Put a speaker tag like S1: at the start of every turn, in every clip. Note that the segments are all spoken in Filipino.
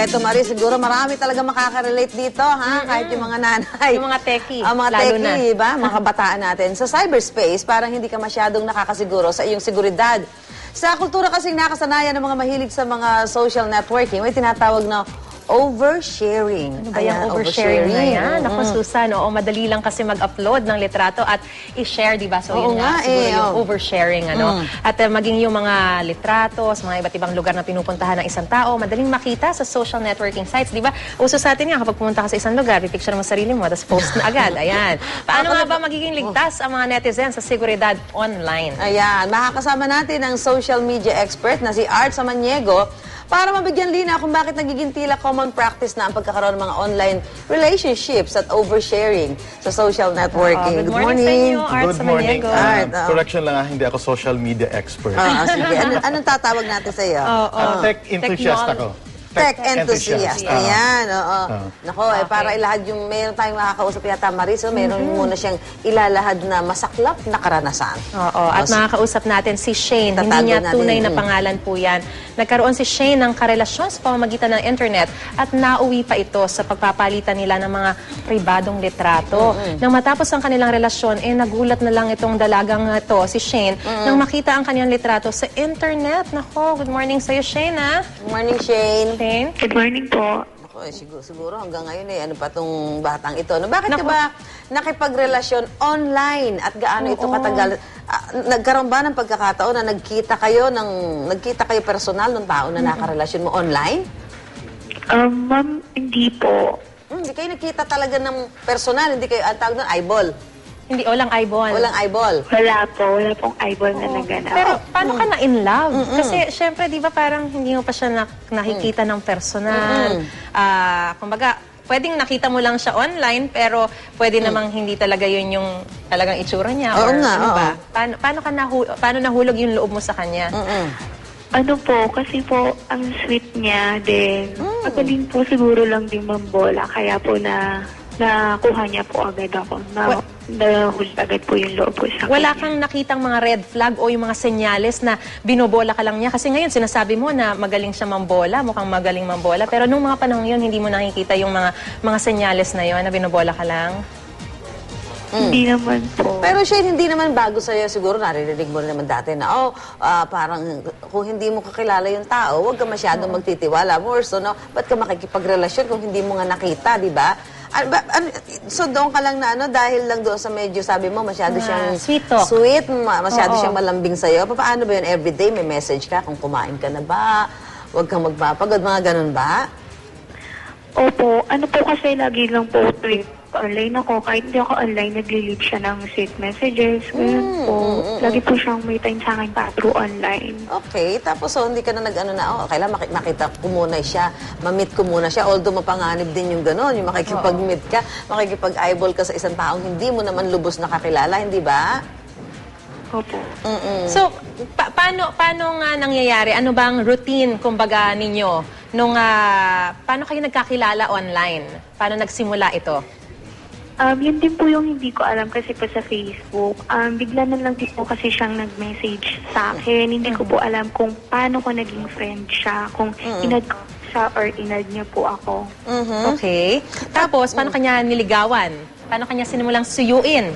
S1: Eto, Marie, siguro marami talaga makaka-relate dito, ha? Kahit yung mga nanay.
S2: Yung mga techie,
S1: mga
S2: lalo
S1: techie, ba? Mga kabataan natin. Sa cyberspace, parang hindi ka masyadong nakakasiguro sa iyong seguridad. Sa kultura kasing nakasanayan ng mga mahilig sa mga social networking, may tinatawag na oversharing.
S2: Ano ba yung oversharing na yan? Ako, Susan, oo, madali lang kasi mag-upload ng litrato at i-share, di ba? So, yun nga, siguro yung oversharing, ano? At maging yung mga litrato sa mga iba't ibang lugar na pinupuntahan ng isang tao, madaling makita sa social networking sites, di ba? Uso sa atin nga, kapag pumunta ka sa isang lugar, pipicture mo sarili mo, tapos post na agad. Ayan. Paano nga ba magiging ligtas ang mga netizens sa seguridad online?
S1: Ayan. Makakasama natin ang social media expert na si Art Samaniego para mabigyan linaw kung bakit nagiging tila common practice na ang pagkakaroon ng mga online relationships at oversharing sa social networking.
S2: Good morning sa inyo, Art Samaniego.
S3: Correction lang, hindi ako social media expert.
S1: Sige. Anong tatawag natin sa iyo?
S3: Tech enthusiast ako.
S1: Tech enthusiast. Ayan, oo. Nako, para ilahad yung, mayroon tayong makakausap yata, Maris, mayroon muna siyang ilalahad na masaklap na karanasan.
S2: Oo, at makakausap natin si Shane. Hindi niya tunay na pangalan po yan. Nagkaroon si Shane ng karelasyon sa pamamagitan ng internet at nauwi pa ito sa pagpapalitan nila ng mga pribadong litrato. Nang matapos ang kanilang relasyon, nagulat na lang itong dalagang ito, si Shane, nang makita ang kanilang litrato sa internet. Nako, good morning sa'yo, Shane, ha?
S1: Good morning, Shane.
S4: Good morning po.
S1: Ako, siguro hanggang ngayon ano pa tong batang ito. No, bakit ka ba nakipagrelasyon online at gaano ito katagal? Nagkaroon ba ng pagkakataon na nagkita kayo personal ng tao na nakarelasyon mo online?
S4: Ma'am, hindi po.
S1: Hindi kayo nagkita talaga ng personal, hindi kayo ang tawag doon eyeball.
S2: Hindi, walang eyeball.
S1: Walang eyeball.
S4: Wala pong eyeball na naganap.
S2: Pero paano ka na in love? Kasi syempre, di ba parang hindi mo pa siya nakikita ng personal. Kumbaga, pwedeng nakita mo lang siya online, pero pwede namang hindi talaga yun yung talagang itsura niya.
S1: Oo nga,
S2: ano ba? Paano nahulog yung loob mo sa kanya?
S4: Ano po, kasi po, ang sweet niya din. Magaling po siguro lang din mambola, kaya po nakuha niya po agad ako. Nahuli agad po yung loob ko sa kanya.
S2: Wala kang nakitang mga red flag o yung mga senyales na binobola ka lang niya? Kasi ngayon, sinasabi mo na magaling siya mambola, mukhang magaling mambola. Pero nung mga panahon yun, hindi mo nakikita yung mga senyales na yun na binobola ka lang?
S4: Hindi naman po.
S1: Pero siya, hindi naman bago sa'yo. Siguro naririnig mo naman dati na, parang kung hindi mo kakilala yung tao, huwag ka masyadong magtitiwala. More so, no? Ba't ka makikipagrelasyon kung hindi mo nga nakita, di ba? So doon ka lang na dahil lang doon sa medyo sabi mo masyado siyang sweet, masyado siyang malambing sa'yo. Paano ba yun? Everyday may message ka kung kumain ka na ba? Huwag kang magpapagod, mga ganun ba?
S4: Opo. Ano po kasi lagi lang po online ako. Kahit hindi ako online, nag-leave siya ng sweet messages. Ganun po. Lagi po siyang may time sa akin pa through online.
S1: Okay. Tapos hindi ka na kailangan makita ko muna siya, ma-meet ko muna siya. Although mapanganib din yung gano'n, yung makikipag-meet ka, makikipag-eyeball ka sa isang taong hindi mo naman lubos nakakilala, hindi ba?
S4: Opo.
S2: So, paano nga nangyayari? Ano bang routine, kumbaga, ninyo? Paano kayo nagkakilala online? Paano nagsimula ito?
S4: Yun din po yung hindi ko alam kasi po sa Facebook. Bigla na lang din po kasi siyang nag-message sa akin. Hindi ko po alam kung paano ko naging friend siya. Kung inad ko siya or inad niya po ako.
S2: Okay. Tapos, paano kanya niligawan? Paano kanya sinimulang suyuin?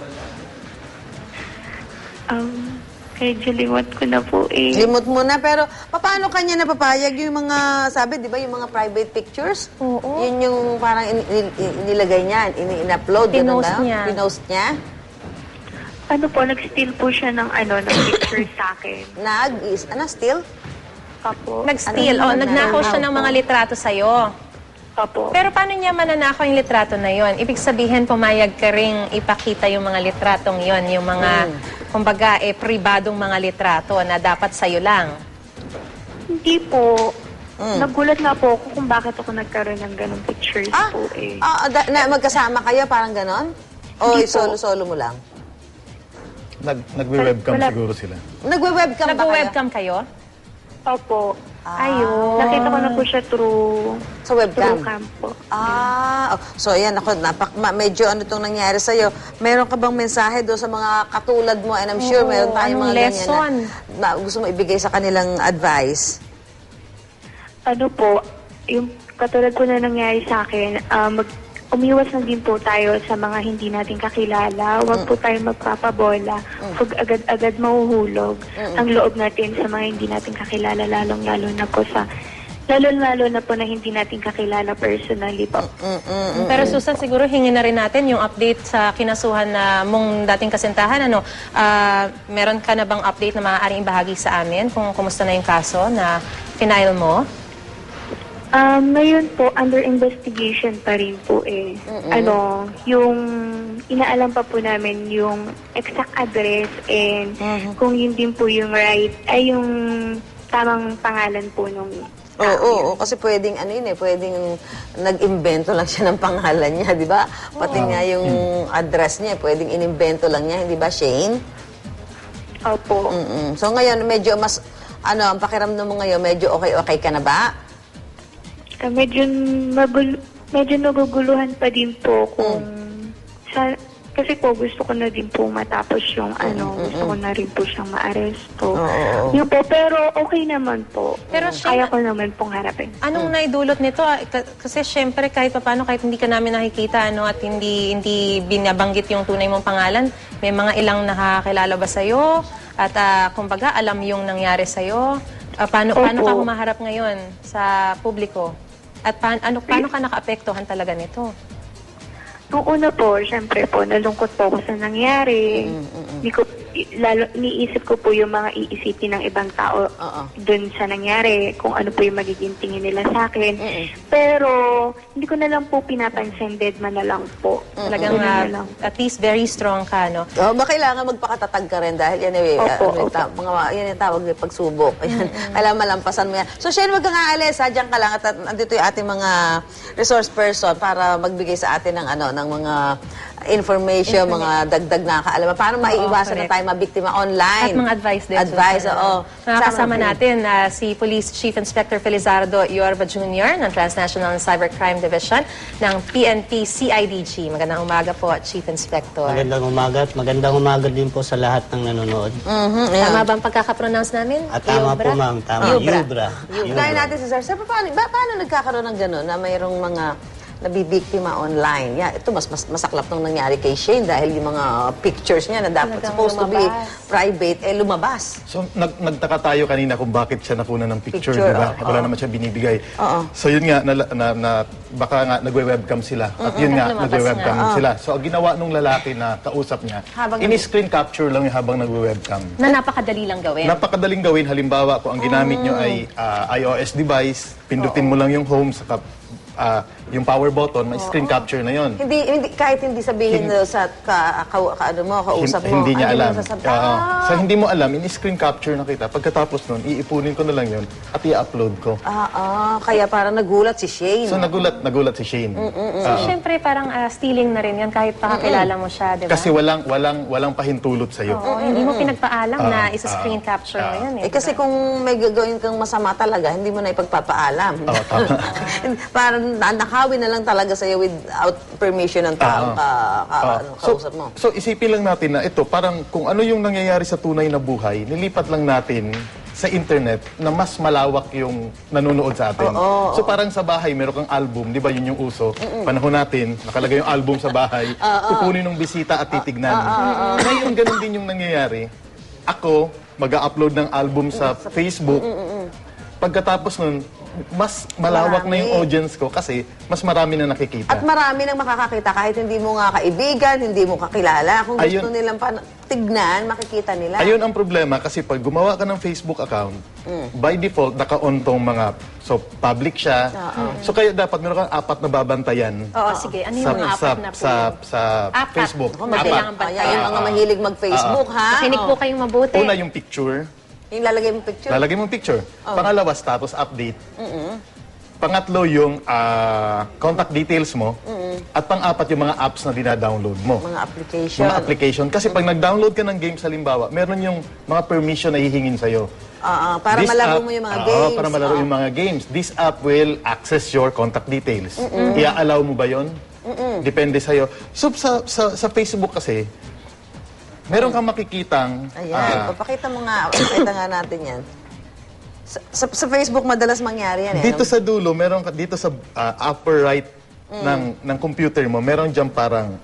S4: Medyo limot ko na po eh.
S1: Limot mo na, pero paano kanya napapayag yung mga, sabi, di ba, yung mga private pictures?
S2: Oo.
S1: Yun yung parang inilagay niya, in-upload.
S2: Pinost niya.
S1: Pinost niya?
S4: Ano po, nag-steal po siya ng pictures sa akin.
S1: Steal?
S4: Opo.
S2: Nag-steal. Nagnakaw siya ng mga litrato sa'yo.
S4: Opo.
S2: Pero paano niya mananakaw yung litrato na yon? Ibig sabihin, pumayag ka ring ipakita yung mga litratong yon, yung mga, kumbaga, pribadong mga litrato na dapat sa'yo lang.
S4: Hindi po. Nagulat nga po ako kung bakit ako nagkaroon ng ganong pictures po eh.
S1: Magkasama kayo, parang ganon? O solo-solo mo lang?
S3: Nagwe-webcam siguro sila.
S1: Nagwe-webcam ba kayo?
S2: Nagwe-webcam kayo?
S4: Opo.
S2: Ayun.
S4: Nakita ko na po siya through
S1: Sa webcam?
S4: Through cam po.
S1: So ayan, medyo itong nangyari sa'yo. Meron ka bang mensahe doon sa mga katulad mo? And I'm sure meron tayong mga
S2: lesson
S1: ganyan na gusto mo ibigay sa kanilang advice.
S4: Ano po, yung katulad po na nangyari sa akin, umiwas na din po tayo sa mga hindi natin kakilala. Huwag po tayo magpapabola. Huwag agad-agad mahuhulog ang loob natin sa mga hindi natin kakilala, lalong-lalo na po na hindi natin kakilala personally po.
S2: Pero Susan, siguro hingin na rin natin yung update sa kinasuhan na mong dating kasintahan. Meron ka na bang update na maaaring ibahagi sa amin kung kumusta na yung kaso na final mo?
S4: Ngayon po, under investigation pa rin po eh. Yung inaalam pa po namin yung exact address and kung yun din po yung yung tamang pangalan po nung
S1: Oo, kasi pwedeng pwedeng nag-imbento lang siya ng pangalan niya, di ba? Pati nga yung address niya, pwedeng inimbento lang niya, hindi ba, Shane?
S4: Opo.
S1: So ngayon, medyo mas, ang pakiramdam mo ngayon, medyo okay ka na ba?
S4: Medyo naguguluhan pa din po kung kasi po gusto ko na din po matapos yung gusto ko na rin po siyang maaresto. Yun po, pero okay naman po.
S2: Pero
S4: kaya ko naman pong harapin.
S2: Anong naidulot nito? Kasi syempre kahit paano, kahit hindi ka namin nakikita at hindi binabanggit yung tunay mong pangalan, may mga ilang nakakilala ba sa'yo? At kumbaga, alam yung nangyari sa'yo? Paano ka humaharap ngayon sa publiko? At paano ka nakaapektuhan talaga nito?
S4: Noong una po, syempre po, nalungkot po ako sa nangyari. Niisip ko po yung mga iisipin ng ibang tao dun sa nangyari, kung ano po yung magiging tingin nila sa akin. Pero, hindi ko na lang po pinapansin, dead man na lang po.
S2: Talagang at least very strong ka, no?
S1: Ba kailangan magpakatatag ka rin dahil yan yan yung tawag ng pagsubok. Kailangan malampasan mo yan. So, Shane, wag kang aalis, diyan ka lang at andito yung ating mga resource person para magbigay sa atin ng mga information, mga dagdag na kaalaman. Paano maiiwasan na tayo mabiktima online?
S2: At mga advice din.
S1: Advice, oo.
S2: Nakakasama natin si Police Chief Inspector Felizardo Yorba Jr. ng Transnational Cybercrime Division ng PNP CIDG. Magandang umaga po, Chief Inspector.
S5: Magandang umaga din po sa lahat ng nanonood.
S2: Tama ba ang pagkakapronounce namin?
S5: Tama po, ma'am. Tama. Yubra.
S1: Kaya natin si Sir. Sir, paano nagkakaroon ng gano'n na mayroong mga nabibiktima online? Ito mas masaklap nung nangyari kay Shane dahil yung mga pictures niya na dapat supposed to be private, lumabas.
S3: So, nagtaka tayo kanina kung bakit siya nakuna ng picture, di ba? Wala naman siya binibigay. So, yun nga, baka nga nagwe-webcam sila. At yun nga, nagwe-webcam sila. So, ang ginawa nung lalaki na kausap niya, ini-screen capture lang yung habang nagwe-webcam.
S2: Na napakadali lang gawin.
S3: Napakadaling gawin. Halimbawa, kung ang ginamit nyo ay iOS device, pindutin mo lang yung home, saka yung power button, may screen capture na yon.
S1: Kahit hindi sabihin sa kausap mo.
S3: Hindi niya alam. So, hindi mo alam, in-screen capture na kita. Pagkatapos nun, iipunin ko na lang yun at i-upload ko.
S1: Kaya parang nagulat si Shane.
S3: So, nagulat si Shane.
S2: So, syempre, parang stealing na rin yan kahit pakakilala mo siya, di ba?
S3: Kasi walang pahintulot sa'yo.
S2: Hindi mo pinagpaalam na isa-screen capture mo yan.
S1: Kasi kung may gagawin kang masama talaga, hindi mo na ipagpapaalam.
S3: Tama.
S1: Parang nakawin na lang talaga sa'yo without permission ng taong kausap mo.
S3: So, isipin lang natin na ito, parang kung ano yung nangyayari sa tunay na buhay, nilipat lang natin sa internet na mas malawak yung nanonood sa atin. So parang sa bahay, meron kang album, di ba yun yung uso? Panahon natin, nakalagay yung album sa bahay, kukunin ng bisita at titignan. Ngayon, ganun din yung nangyayari. Ako, mag-upload ng album sa Facebook. Pagkatapos nun, mas malawak na yung audience ko kasi mas marami na nakikita.
S1: At marami nang makakakita kahit hindi mo nga kaibigan, hindi mo kakilala. Kung gusto nilang tignan, makikita nila.
S3: Ayun ang problema kasi pag gumawa ka ng Facebook account, by default, naka-on tong mga, so public siya. So kaya dapat meron kang 4 na babantayan.
S2: Sige. Ano yung mga 4 na po?
S3: Sa Facebook.
S2: Kailangan bantayan.
S1: Yung mga mahilig mag-Facebook, ha?
S2: Makinig po kayong mabuti.
S3: Una yung picture.
S1: Yung lalagay mong picture?
S3: Lalagay mong picture. Pangalawa, status update. Pangatlo, yung contact details mo. At pang-apat, yung mga apps na dina-download mo.
S1: Mga application.
S3: Mga application. Kasi pag nag-download ka ng games, halimbawa, meron yung mga permission na hihingin sa'yo.
S1: Para malaro mo yung mga games.
S3: Para malaro yung mga games. This app will access your contact details. Ia-allow mo ba yun? Depende sa'yo. So, sa Facebook kasi, meron kang makikitang...
S1: Ayan, papakita mo nga. Pakita nga natin yan. Sa Facebook madalas mangyari yan eh.
S3: Dito sa dulo, dito sa upper right ng computer mo, meron dyan parang...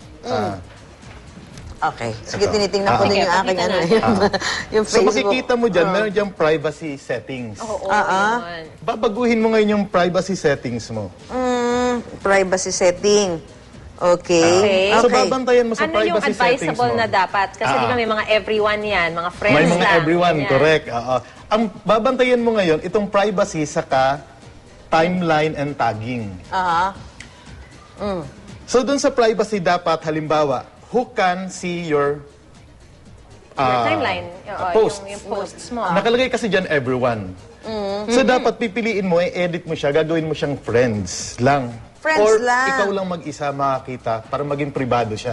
S1: Okay. Sige,
S3: Ito.
S1: tinitingnan ko din yung aking
S2: pakita
S1: ano.
S2: natin.
S1: Yung
S3: So
S1: Facebook.
S3: makikita mo dyan, meron dyan privacy settings.
S2: Oo, yun.
S3: Babaguhin mo ngayon yung privacy settings mo.
S1: Privacy setting. Okay.
S3: So babantayan mo sa
S2: Ano yung
S3: privacy settings mo.
S2: advisable na dapat? Kasi di ba may mga everyone yan, mga friends
S3: May mga
S2: lang.
S3: everyone,
S2: Ganyan.
S3: correct. Ang babantayan mo ngayon, itong privacy saka timeline and tagging.
S1: Aha.
S3: So dun sa privacy dapat, halimbawa, who can see your
S2: Your timeline. Oo,
S3: posts.
S2: Yung posts mo.
S3: Nakalagay kasi dyan everyone. So dapat pipiliin mo, i-edit mo siya, gagawin mo siyang friends lang.
S1: Friends
S3: Or
S1: lang.
S3: ikaw lang mag-isa makakita para maging privado siya.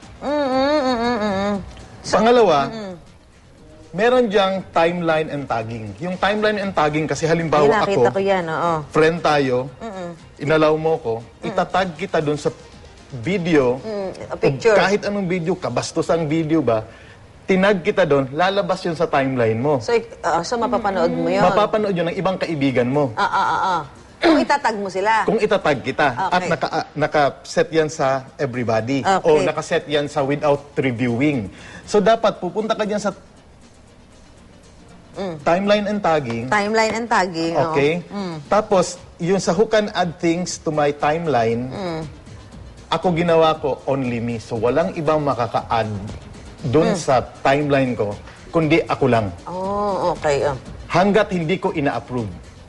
S3: Pangalawa, meron diyang timeline and tagging. Yung timeline and tagging kasi halimbawa
S1: Nakita
S3: ako,
S1: ko yan, oo.
S3: friend tayo, inalaw mo ko, itatag kita dun sa video,
S1: A picture.
S3: kahit anong video, kabastosang video ba, tinag kita doon, lalabas yun sa timeline mo.
S1: So mapapanood mo yun.
S3: Mapapanood yun ng ibang kaibigan mo.
S1: Kung itatag mo sila.
S3: Kung itatag kita at
S1: Okay.
S3: naka-set yan sa everybody
S1: Okay.
S3: o naka-set yan sa without reviewing. So dapat pupunta ka dyan sa timeline and tagging.
S1: Timeline and tagging. oo.
S3: Okay? Tapos, yung sa who can add things to my timeline, ako ginawa ko only me. So walang ibang makaka-add dun sa timeline ko, kundi ako lang.
S1: Oh, okay.
S3: Hanggat hindi ko ina-approve.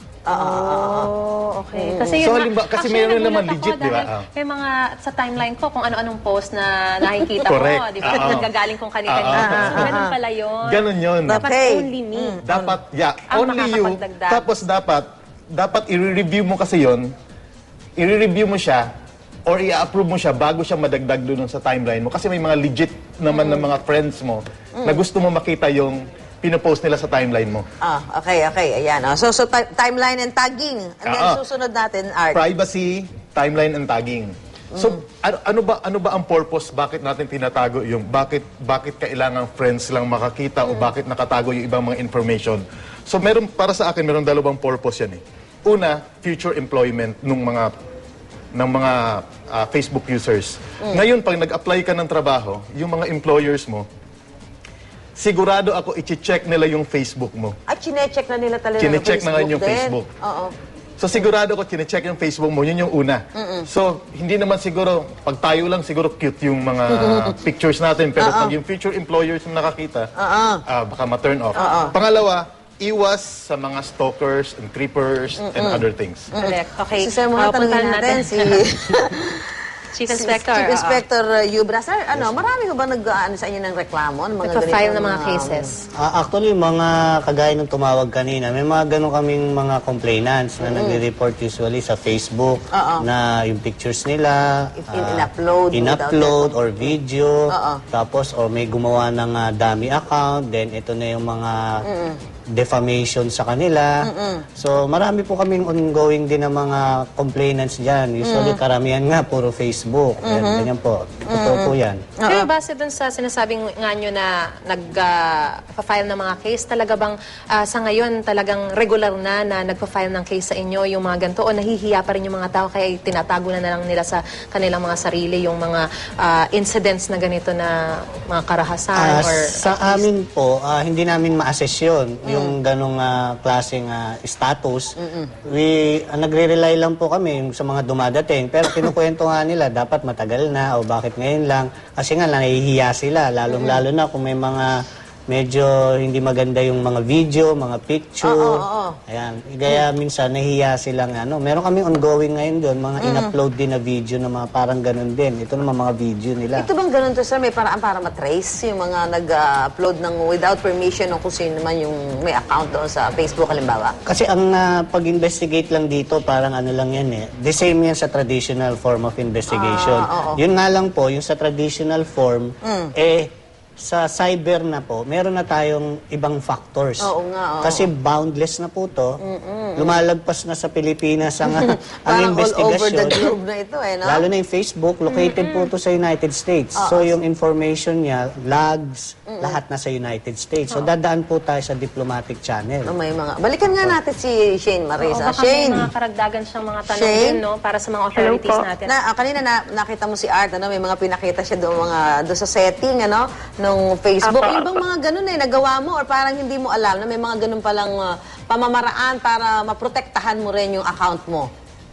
S2: Oh, okay. Kasi
S3: So,
S2: yun,
S3: halimbawa, kasi
S2: actually,
S3: meron
S2: nagulat
S3: naman
S2: ako
S3: legit, di ba?
S2: dahil May mga sa timeline ko kung ano-anong post na nakikita
S3: Correct.
S2: ko, di ba?
S3: Oo.
S2: Nagagaling kung kani-kanina. So, ganun pala yun.
S3: Ganun yun.
S2: Dapat
S1: Okay.
S2: only me.
S3: Dapat,
S2: Ang
S3: only you.
S2: makakapagdagdag.
S3: Tapos dapat i-review mo kasi yon. I-review mo siya or i-approve mo siya bago siya madagdag doon sa timeline mo. Kasi may mga legit naman ng mga friends mo na gusto mo makita yung pinopost nila sa timeline mo.
S1: Okay. Ayan. So timeline and tagging. And then susunod natin, Art.
S3: Privacy, timeline, and tagging. So, ano ba ang purpose? Bakit natin tinatago yung bakit kailangan friends lang makakita o bakit nakatago yung ibang mga information? So, para sa akin, meron dalawang purpose yan eh. Una, future employment ng mga Facebook users. Ngayon, pag nag-apply ka ng trabaho, yung mga employers mo, sigurado ako i-check nila yung Facebook mo.
S1: At chinecheck na nila talaga
S3: Chinecheck na ngayon yung
S1: din.
S3: Facebook.
S1: Oo.
S3: So sigurado ko chinecheck yung Facebook mo, yun yung una. So hindi naman siguro, pag tayo lang siguro cute yung mga pictures natin, pero pag yung future employers yung nakakita, baka ma-turn off. Pangalawa, iwas sa mga stalkers and creepers and other things.
S2: Correct. Okay.
S1: So, mga tanongin
S2: puntahan
S1: natin si
S2: Chief Inspector.
S1: Chief Inspector Yubra. Sir, marami ko ba nag-ano sa inyo ng reklamo? Ng mga
S2: Nagpa-file
S1: ganitong
S2: ng mga cases.
S5: Actually, mga kagaya ng tumawag kanina, may mga ganun kaming mga complainants na nagre-report usually sa Facebook na yung pictures nila
S1: In-upload
S5: in-upload
S1: without
S5: or video, tapos or may gumawa ng dummy account, then ito na yung mga defamation sa kanila. So, marami po kaming ongoing din ng mga complainants dyan. Usually, karamihan nga, puro Facebook. Ganyan po. Totoo po yan.
S2: Pero base dun sa sinasabing nga nyo na nag-file ng mga case, talaga bang sa ngayon talagang regular na nagpa-file ng case sa inyo yung mga ganito o nahihiya pa rin yung mga tao kaya tinatago na lang nila sa kanilang mga sarili yung mga incidents na ganito na mga karahasan or
S5: Sa amin po, hindi namin ma-assess yun, yung ganong klaseng status. Nagre-rely lang po kami sa mga dumadating. Pero kinukwento nga nila, dapat matagal na o bakit ngayon lang. Kasi nga, nahihiya sila. Lalong-lalo na kung may mga medyo hindi maganda yung mga video, mga picture. Ayan. Kaya minsan nahihiya silang meron kami ongoing ngayon doon, mga in-upload din na video na mga parang ganun din. Ito naman mga video nila.
S1: Ito bang ganun to, sir? May paraan para matrace yung mga nag-upload ng without permission ng kung sino naman yung may account doon sa Facebook, halimbawa?
S5: Kasi ang pag-investigate lang dito, parang lang yan eh. The same yan sa traditional form of investigation. Yun nga lang po, yung sa traditional form, sa cyber na po, meron na tayong ibang factors.
S1: Oo nga, oo.
S5: Kasi boundless na po to. Lumalagpas na sa Pilipinas ang, ang
S1: Parang all over the
S5: investigasyon.
S1: globe na ito no?
S5: Lalo na yung Facebook, located po to sa United States. So yung information niya, logs, lahat na sa United States. So dadaan po tayo sa diplomatic channel.
S1: May mga... Balikan nga natin si Shane Marisa.
S2: Baka may
S1: Shane!
S2: mga karagdagan siyang mga tanong
S1: Shane?
S2: din, no? Para sa mga authorities
S4: po.
S2: natin.
S1: Kanina nakita mo si Art, may mga pinakita siya doon sa setting, nung Facebook. Yung bang mga ganun nagawa mo or parang hindi mo alam na may mga ganun palang pamamaraan para maprotektahan mo rin yung account mo?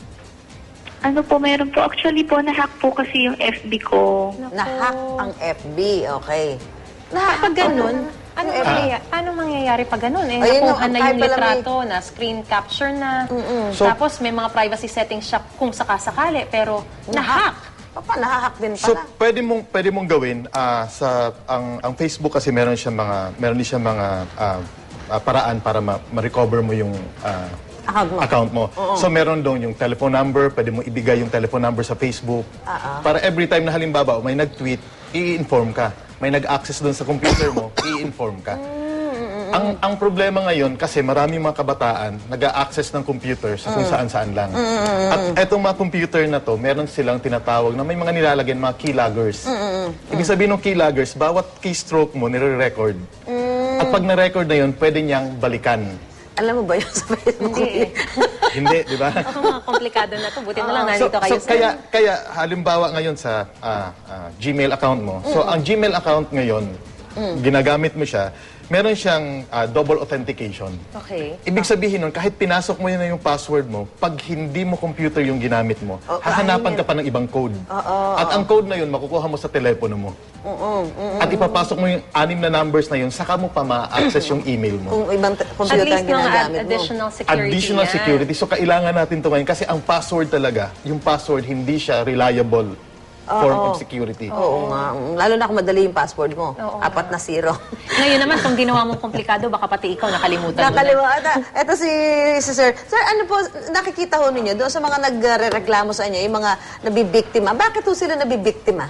S4: Ano po, meron po. Actually po, nahack po kasi yung FB ko.
S1: Na-hack ang FB, okay.
S2: Kapag ganun, paano mangyayari pag ganun?
S1: Ayun,
S2: Nakuha na
S1: kahit
S2: yung
S1: pala may-
S2: litrato, na screen capture na.
S3: So-
S2: Tapos may mga privacy settings siya kung sakasakali, pero na-hack.
S1: Papa, nahahack din
S3: So
S1: pala.
S3: pwede mong gawin ang Facebook kasi meron din siyang mga paraan para ma-recover mo yung
S1: Account mo.
S3: So meron doon yung telephone number, pwede mo ibigay yung telephone number sa Facebook. Para every time na halimbawa may nag-tweet, i-inform ka. May nag-access doon sa computer mo, i-inform ka. Ang problema ngayon, kasi marami mga kabataan nag-a-access ng computer sa kung saan-saan lang. At etong mga computer na to, meron silang tinatawag na may mga nilalagyan, mga keyloggers. Ibig sabihin ng keyloggers, bawat keystroke mo, nire-record. At pag na-record na yun, pwede niyang balikan.
S1: Alam mo ba yun sa Facebook?
S3: Hindi, di ba?
S2: Ako mga komplikado na to. Buti na lang nandito kayo sa...
S3: Kaya halimbawa ngayon sa Gmail account mo. So ang Gmail account ngayon, ginagamit mo siya, meron siyang double authentication.
S2: Okay.
S3: Ibig sabihin nun, kahit pinasok mo yun na yung password mo, pag hindi mo computer yung ginamit mo, hahanapan ka pa ng ibang code. At ang code na yun, makukuha mo sa telepono mo. At ipapasok mo yung 6 na numbers na yun, saka mo pa ma-access yung email mo.
S1: Kung ibang
S2: At
S1: computer
S2: least
S1: ang
S2: mga
S1: ginagamit mo.
S2: additional security
S3: Additional
S2: yan.
S3: security. So kailangan natin ito ngayon kasi ang password talaga, yung password hindi siya reliable form of security.
S1: Oo nga. Lalo na kung madali yung password mo. 4 na 0.
S2: Ngayon naman, kung ginawa mong komplikado, baka pati ikaw nakalimutan mo na.
S1: Nakalimutan. Ito si Sir. Sir, ano po, nakikita ho ninyo doon sa mga nagrereklamo sa inyo, yung mga nabibiktima. Bakit ho sila nabibiktima?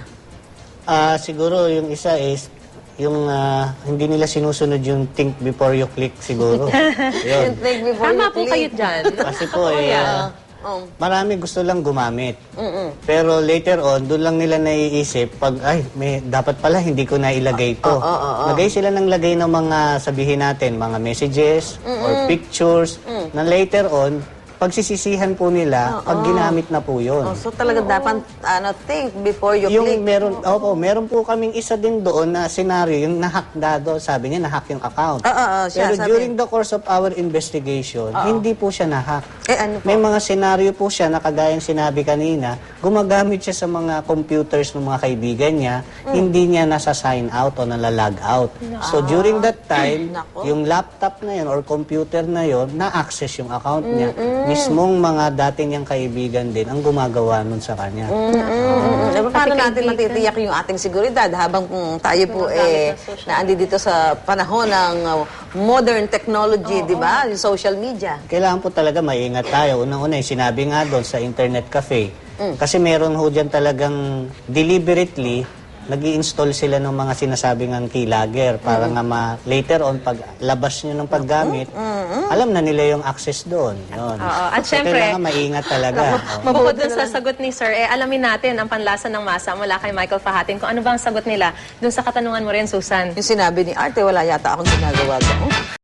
S5: Siguro yung isa is yung hindi nila sinusunod yung think before you click siguro. Yun.
S1: Think before
S2: Tama
S1: you
S2: po kayo
S1: click.
S2: dyan.
S5: Kasi po
S1: Oh.
S5: marami gusto lang gumamit. Pero later on, doon lang nila naiisip pag dapat pala hindi ko na ilagay ito. Lagay sila ng lagay ng mga sabihin natin, mga messages or pictures na later on pagsisisihan po nila pag ginamit na po yun.
S1: So talaga dapat think before you
S5: Yung
S1: click.
S5: meron po kaming isa din doon na scenario, yung nahack dado, sabi niya nahack yung account.
S1: Siya,
S5: Pero
S1: sabi.
S5: during the course of our investigation, hindi po siya nahack.
S1: Ano po?
S5: May mga scenario po siya na kagayang sinabi kanina, gumagamit siya sa mga computers ng mga kaibigan niya, hindi niya nasa-sign out o nalalag out. So during that time,
S1: Nako.
S5: yung laptop na yun or computer na yun, na-access yung account niya. Mismong mga dati niyang kaibigan din ang gumagawa nun sa kanya.
S1: Paano natin matitiyak yung ating seguridad habang tayo po naandi dito sa panahon ng modern technology, di ba? Yung social media.
S5: Kailangan po talaga maingat tayo. Unang-una, yung sinabi nga doon sa internet cafe. Kasi meron ho dyan talagang deliberately nag-i-install sila ng mga sinasabing ang keylogger para nga later on, pag labas nyo ng paggamit, alam na nila yung access doon. Yun.
S2: At
S5: So,
S2: syempre,
S5: kailangan maingat talaga.
S2: bukod dun sa sagot ni Sir, alamin natin ang panlasa ng masa mula kay Michael Fahatin. Kung ano ba ang sagot nila dun sa katanungan mo rin, Susan.
S1: Yung sinabi ni Arte, wala yata akong ginagawa doon.